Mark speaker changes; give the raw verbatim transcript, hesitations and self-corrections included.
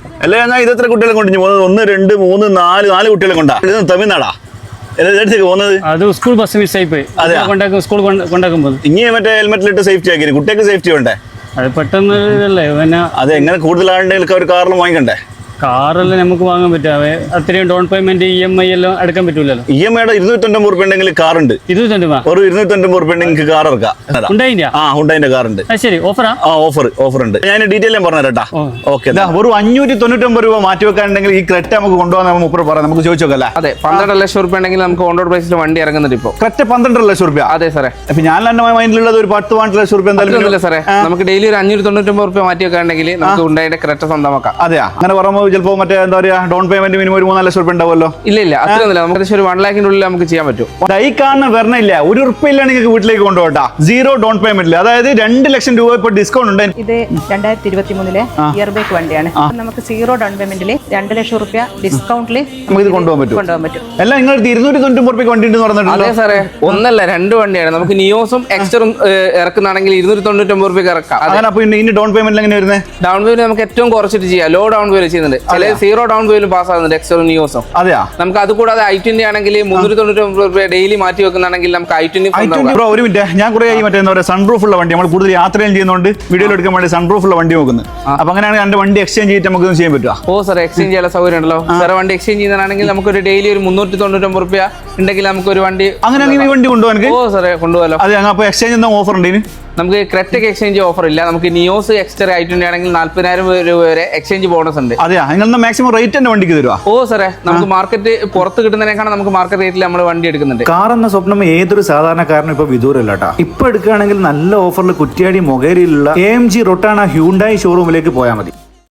Speaker 1: അല്ല ഞാൻ ഇതെത്ര കുട്ടികളെ കൊണ്ട് പോകുന്നത്? ഒന്ന് രണ്ട് മൂന്ന് നാല് നാല് കുട്ടികളെ കൊണ്ടാ? ഇത് തമിഴ്നാടാ എല്ലായിടത്തേക്ക് പോകുന്നത്?
Speaker 2: അത് സ്കൂൾ ബസ് മിസ്സായി പോയി. കൊണ്ടാക്കും സ്കൂൾ കൊണ്ടാക്കുമ്പോൾ
Speaker 1: ഇനി മറ്റേ ഹെൽമെറ്റിലിട്ട് സേഫ്റ്റി ആക്കി കുട്ടികൾക്ക് സേഫ്റ്റി വേണ്ടേ?
Speaker 2: അത് പെട്ടെന്ന് ഇതല്ലേ പിന്നെ
Speaker 1: അത് എങ്ങനെ കൂടുതൽ ആളുണ്ടെങ്കിൽ ഒരു കാറിൽ വാങ്ങിക്കണ്ടേ?
Speaker 2: കാറെല്ലാം നമുക്ക് വാങ്ങാൻ പറ്റാവേ അത്രയും down payment E M I എല്ലാം അടക്കാൻ പറ്റൂലല്ലോ.
Speaker 1: ഇ എം ഐയുടെ ഇരുന്നൂറ്റൊമ്പത് റുപ്യ ഉണ്ടെങ്കിൽ കാറുണ്ട്.
Speaker 2: ഇരുന്നൂറ്റൊമ്പത്
Speaker 1: ഒരു ഇരുന്നൂറ്റൊമ്പത് റുപ്യ ഉണ്ടെങ്കിൽ കാർ ഇറക്കാം.
Speaker 2: ഉണ്ടായില്ല?
Speaker 1: ആ ഹുണ്ടായിന്റെ കാറുണ്ട്.
Speaker 2: ശരി, ഓഫറാ?
Speaker 1: ആ ഓഫർ ഓഫർ ഉണ്ട്. ഞാൻ ഡീറ്റെയിൽ ഞാൻ പറഞ്ഞുതരാട്ടാ. ഓക്കെ, ഒരു അഞ്ഞൂറ്റി തൊണ്ണൂറ്റൊമ്പത് രൂപ മാറ്റി വെക്കാനുണ്ടെങ്കിൽ ഈ ക്രെറ്റ നമുക്ക് കൊണ്ടുപോകാൻ മുപ്പത് പറയാം. നമുക്ക് ചോദിച്ചു നോക്കല്ലേ?
Speaker 3: അതെ, പന്ത്രണ്ട് ലക്ഷം റുപ്യ ഉണ്ടെങ്കിൽ നമുക്ക് ഓൺ റോഡ് പ്രൈസിൽ വണ്ടി ഇറങ്ങുന്നുണ്ട് ഇപ്പോൾ.
Speaker 1: ക്രെറ്റ പന്ത്രണ്ടര ലക്ഷം റുപ്യ?
Speaker 3: അതെ സാറേ.
Speaker 1: അപ്പൊ ഞാൻ എന്റെ മൈൻഡിലുള്ളത് ഒരു പത്ത് പന്ത്രണ്ട് ലക്ഷം റുപ്യ എന്തായാലും
Speaker 3: സാറേ. നമുക്ക് ഡെയിലി ഒരു അഞ്ഞൂറ്റി തൊണ്ണൂറ്റൊമ്പത് റുപ്യ മാറ്റി വെക്കാനുണ്ടെങ്കിൽ നമുക്ക് ഉണ്ടായിട്ട് ക്രെറ്റ സ്വന്തമാക്കാം.
Speaker 1: അതെയാ? അങ്ങനെ പറയുമ്പോൾ ചിലപ്പോൾ മറ്റേ എന്താ പറയാ ഡൗൺ പേയ്മെന്റ് മിനിമം ഒരു മൂന്നാല് ലക്ഷം റുപ്യ ഉണ്ടാവുമല്ലോ?
Speaker 3: ഇല്ല ഇല്ല, അത്രയൊന്നുമില്ല. നമുക്ക് ഒരു വൺ ലാഖിന്റെ ഉള്ളിൽ നമുക്ക് ചെയ്യാൻ പറ്റും.
Speaker 1: ഈ കാണുന്ന വരണില്ല, ഒരു ഉറുപ്പില്ല നിങ്ങൾക്ക് വീട്ടിലേക്ക് കൊണ്ടുപോകട്ടാ. സീറോ ഡൗൺ പേയ്മെന്റിൽ, അതായത് രണ്ട് ലക്ഷം രൂപ ഇപ്പൊ ഡിസ്കൗണ്ട് ഉണ്ട്.
Speaker 4: ഇത് രണ്ടായിരത്തി ഇരുപത്തി മൂന്നിലെ ഇയർ ബൈക്ക് വണ്ടിയാണ്. നമുക്ക് സീറോ ഡൗൺ പേയ്മെന്റിൽ രണ്ട് ലക്ഷം റുപ്യ ഡിസ്കൗണ്ടിൽ
Speaker 1: നമുക്ക് ഇത് കൊണ്ടുപോകാൻ പറ്റും.
Speaker 4: കൊണ്ടുപോകാൻ പറ്റും.
Speaker 1: എല്ലാം നിങ്ങൾ ഇരുന്നൂറ്റി തൊണ്ണൂറ്റി റുപ്യ വണ്ടി ഉണ്ടെന്ന് പറഞ്ഞിട്ടുണ്ട്.
Speaker 3: അതെ സാറേ, ഒന്നല്ല രണ്ട് വണ്ടിയാണ്. നമുക്ക് നിയോസും എക്സ്റ്ററും ഇറക്കുന്നാണെങ്കിൽ ഇരുന്നൂറ്റി തൊണ്ണൂറ്റൊമ്പത് റുപ്യ ഇറക്കാം.
Speaker 1: അങ്ങനെ അപ്പൊ ഇനി ഡൗൺ പേയ്മെന്റ് എങ്ങനെ വരുന്നത്?
Speaker 3: ഡൗൺ പേയ്മെന്റ് നമുക്ക് ഏറ്റവും കുറച്ചിട്ട് ചെയ്യാം. ലോ ഡൗൺ പേയ്മെന്റ് ചെയ്യുന്നുണ്ട്, ചില സീറോ ഡൗൺ പേയ്മെന്റ് പാസ് ആകുന്നുണ്ട് എക്സ്റ്ററും നിയോസും.
Speaker 1: അതെയാ?
Speaker 3: നമുക്ക് അത് കൂടാതെ ഐ ട്വന്റി ആണെങ്കിൽ മുന്നൂറ്റി തൊണ്ണൂറ്റൊമ്പത് റുപ്യ ഡെയിലി മാറ്റി വെക്കുന്നാണെങ്കിൽ നമുക്ക് ഐ ട്വന്റി.
Speaker 1: ഒരു മിനിറ്റ്, ഞാൻ കുറെ മറ്റേ എന്താ പറയുക സൺറൂഫ് ഉള്ള വണ്ടി നമ്മൾ കൂടുതൽ യാത്രയും ചെയ്യുന്നതുകൊണ്ട് വീഡിയോ എടുക്കാൻ വേണ്ടി സൺറൂഫ് ഉള്ള വണ്ടി നോക്കുന്നത്. അപ്പൊ അങ്ങനെയാണെങ്കിൽ എന്റെ വണ്ടി എക്സ്ചേഞ്ച് ചെയ്തിട്ട് നമുക്ക് ചെയ്യാൻ പറ്റുക?
Speaker 3: ഓ സാർ, എക്സ്ചേഞ്ച് ചെയ്യാൻ സൗകര്യം ഉണ്ടല്ലോ സാർ. വണ്ടി എക്സ്ചേഞ്ച് ചെയ്യുന്നതാണെങ്കിൽ നമുക്ക് ഒരു ഡെയിലി ഒരു മുന്നൂറ്റി തൊണ്ണൂറ്റൊമ്പത് റുപ്യ ഉണ്ടെങ്കിൽ നമുക്ക് ഒരു വണ്ടി
Speaker 1: അങ്ങനെയാണെങ്കിൽ ഈ വണ്ടി കൊണ്ടുപോകാൻ.
Speaker 3: ഓ സാറേ, കൊണ്ടുപോകാലോ.
Speaker 1: അതെ, അപ്പൊ എക്സ്ചേഞ്ച് എന്താ ഓഫർ ഉണ്ട്?
Speaker 3: നമുക്ക് ക്രെറ്റയ്ക്ക് എക്സ്ചേഞ്ച് ഓഫർ ഇല്ല. നമുക്ക് നിയോസ് എക്സ്റ്റർ ഐ ട്വന്റി ആണെങ്കിൽ നാല്പതിനായിരം രൂപ വരെ എക്സ്ചേഞ്ച് ബോണസ് ഉണ്ട്.
Speaker 1: അതെയാ? നിങ്ങൾ മാക്സിമം റേറ്റ് തന്നെ വണ്ടിക്ക് തരുക?
Speaker 3: ഓ സാറേ, നമുക്ക് മാർക്കറ്റ് പുറത്ത് കിട്ടുന്നതിനേക്കാണ് നമുക്ക് മാർക്കറ്റ് റേറ്റിൽ നമ്മൾ വണ്ടി എടുക്കുന്നുണ്ട്.
Speaker 5: കാർ എന്ന സ്വപ്നം ഏതൊരു സാധാരണക്കാരനും ഇപ്പൊ വിദൂരല്ല കേട്ടോ. ഇപ്പൊ എടുക്കുകയാണെങ്കിൽ നല്ല ഓഫറിൽ കുറ്റ്യാടി മൊകേരിയിലുള്ള എ എം ജി റൊട്ടാണ ഹ്യൂണ്ടായി ഷോറൂമിലേക്ക് പോയാൽ മതി.